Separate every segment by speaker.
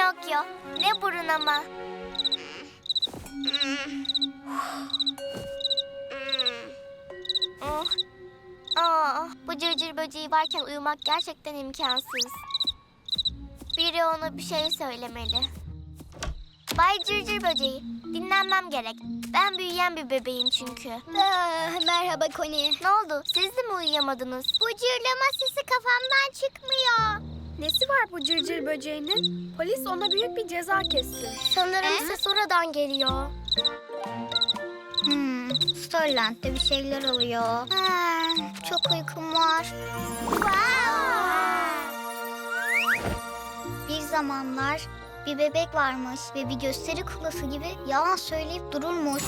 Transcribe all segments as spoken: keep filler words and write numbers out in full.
Speaker 1: Pinokyo, ne burun ama. Oh. Aa, bu cırcır böceği varken uyumak gerçekten imkansız. Biri ona bir şey söylemeli. Bay Cırcır Böceği, dinlenmem gerek. Ben büyüyen bir bebeğim çünkü.
Speaker 2: Ah, merhaba Connie.
Speaker 1: Ne oldu? Siz de mi uyuyamadınız?
Speaker 2: Bu cırlama sesi kafamdan çıkmıyor.
Speaker 3: Nesi var bu cırcır böceğinin? Polis ona büyük bir ceza kesti.
Speaker 1: Sanırım ses oradan geliyor.
Speaker 2: Hmm, Starland'de bir şeyler oluyor. Ha, çok uykum var. Bir zamanlar bir bebek varmış ve bir gösteri kuklası gibi yalan söyleyip dururmuş.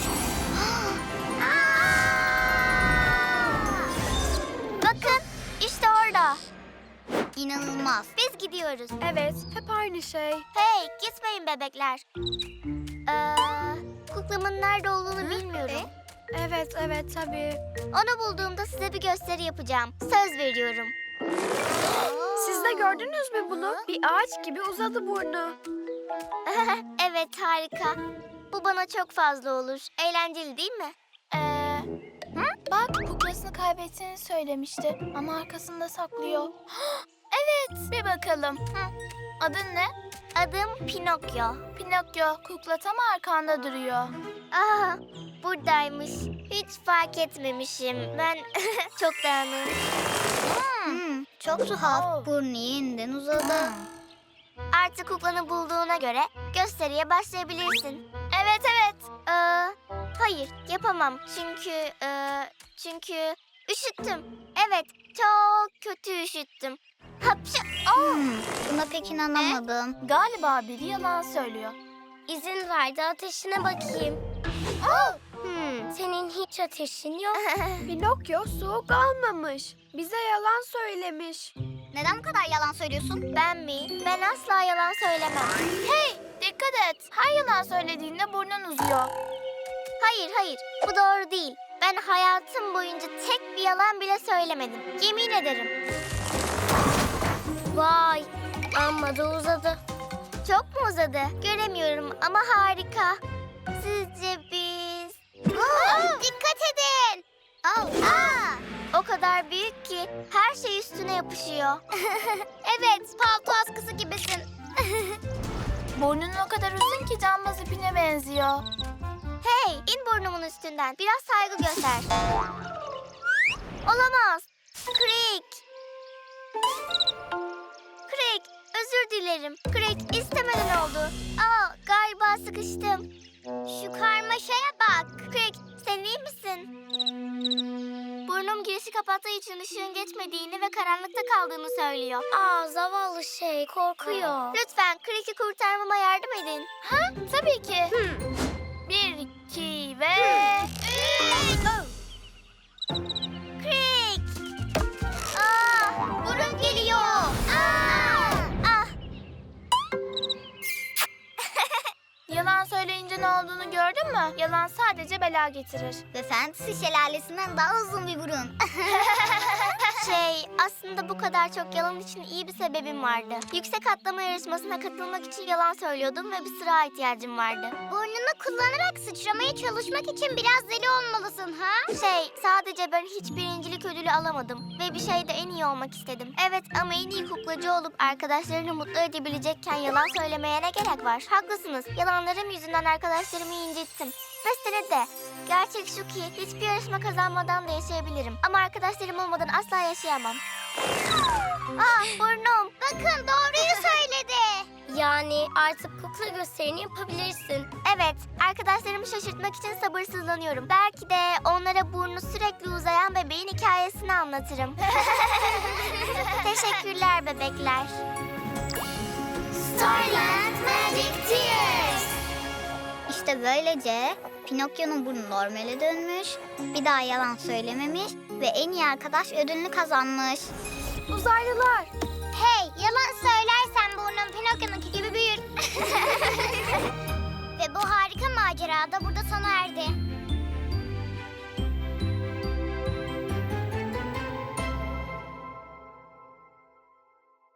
Speaker 1: Bakın, işte orada.
Speaker 2: İnanılmaz.
Speaker 1: Biz gidiyoruz.
Speaker 3: Evet, hep aynı şey.
Speaker 1: Hey, gitmeyin bebekler. Ee, kuklamın nerede olduğunu bilmiyorum.
Speaker 3: Evet, evet tabii.
Speaker 1: Onu bulduğumda size bir gösteri yapacağım. Söz veriyorum.
Speaker 3: Siz de gördünüz mü bunu? Bir ağaç gibi uzadı burnu.
Speaker 1: Evet, harika. Bu bana çok fazla olur. Eğlenceli değil mi?
Speaker 4: Ee, bak kuklasını kaybettiğini söylemişti ama arkasında saklıyor. Evet, bir bakalım. Adın ne?
Speaker 1: Adım Pinokyo.
Speaker 4: Pinokyo, kukla tam arkanda duruyor.
Speaker 1: Aa, buradaymış. Hiç fark etmemişim. Ben çok dağınığım.
Speaker 2: Hmm, çok tuhaf. Burnu yeniden uzadı.
Speaker 1: Artık kuklanı bulduğuna göre gösteriye başlayabilirsin.
Speaker 4: Evet, evet.
Speaker 1: Ee, hayır, yapamam. Çünkü, e, çünkü üşüttüm. Evet, çok kötü üşüttüm. Hapşı!
Speaker 2: Hmm, buna pek inanamadım.
Speaker 4: Galiba biri yalan söylüyor.
Speaker 1: İzin verdi, ateşine bakayım. Hmm, senin hiç ateşin yok.
Speaker 3: Pinokyo soğuk almamış. Bize yalan söylemiş.
Speaker 2: Neden bu kadar yalan söylüyorsun?
Speaker 1: Ben mi? Ben asla yalan söylemem.
Speaker 4: Hey, dikkat et. Her yalan söylediğinde burnun uzuyor.
Speaker 1: Hayır, hayır. Bu doğru değil. Ben hayatım boyunca tek bir yalan bile söylemedim. Yemin ederim. Vay, amma da uzadı. Çok mu uzadı? Göremiyorum ama harika. Sizce biz...
Speaker 2: Dikkat edin. Al. Aa.
Speaker 1: O kadar büyük ki her şey üstüne yapışıyor. Evet, palto askısı gibisin.
Speaker 4: Burnun o kadar uzun ki cambaz ipine benziyor.
Speaker 1: Hey, in burnumun üstünden. Biraz saygı göster. Olamaz. Creek. Creek, özür dilerim. Creek, istemeden oldu. Aa, galiba sıkıştım. Şu karmaşaya bak. Creek, sen iyi misin? Burnum girişi kapattığı için ışığın geçmediğini ve karanlıkta kaldığını söylüyor. Aa, zavallı şey, korkuyor. Lütfen Creek'i kurtarmama yardım edin.
Speaker 4: Ha, tabii ki. Bir, iki ve...
Speaker 1: Creek! Aa, burun geliyor. Aa! Ah!
Speaker 4: Yalan söyleyince ne olduğunu gördün mü? Yalan sadece bela getirir.
Speaker 2: Ve Fantasy şelalesinden daha uzun bir burun.
Speaker 1: Şey, aslında bu kadar çok yalan için iyi bir sebebim vardı. Yüksek atlama yarışmasına katılmak için yalan söylüyordum ve bir sıra ihtiyacım vardı.
Speaker 2: Burnunu kullanarak sıçramaya çalışmak için biraz deli olmalısın ha?
Speaker 1: Şey, sadece ben hiç birincilik ödülü alamadım ve bir şeyde en iyi olmak istedim. Evet, ama en iyi kuklacı olup arkadaşlarını mutlu edebilecekken yalan söylemeye ne gerek var? Haklısınız, yalanlarım yüzünden arkadaşlarımı incittim. Mesele de, gerçek şu ki hiçbir yarışma kazanmadan da yaşayabilirim. Ama arkadaşlarım olmadan asla yaşayamam. Ah, burnum.
Speaker 2: Bakın doğruyu söyledi.
Speaker 1: Yani artık kukla gösterini yapabilirsin. Evet, arkadaşlarımı şaşırtmak için sabırsızlanıyorum. Belki de onlara burnu sürekli uzayan bebeğin hikayesini anlatırım. Teşekkürler bebekler.
Speaker 2: Starland Magic Tears. İşte böylece Pinokyo'nun burnu normale dönmüş, bir daha yalan söylememiş ve en iyi arkadaş ödülünü kazanmış.
Speaker 3: Uzaylılar,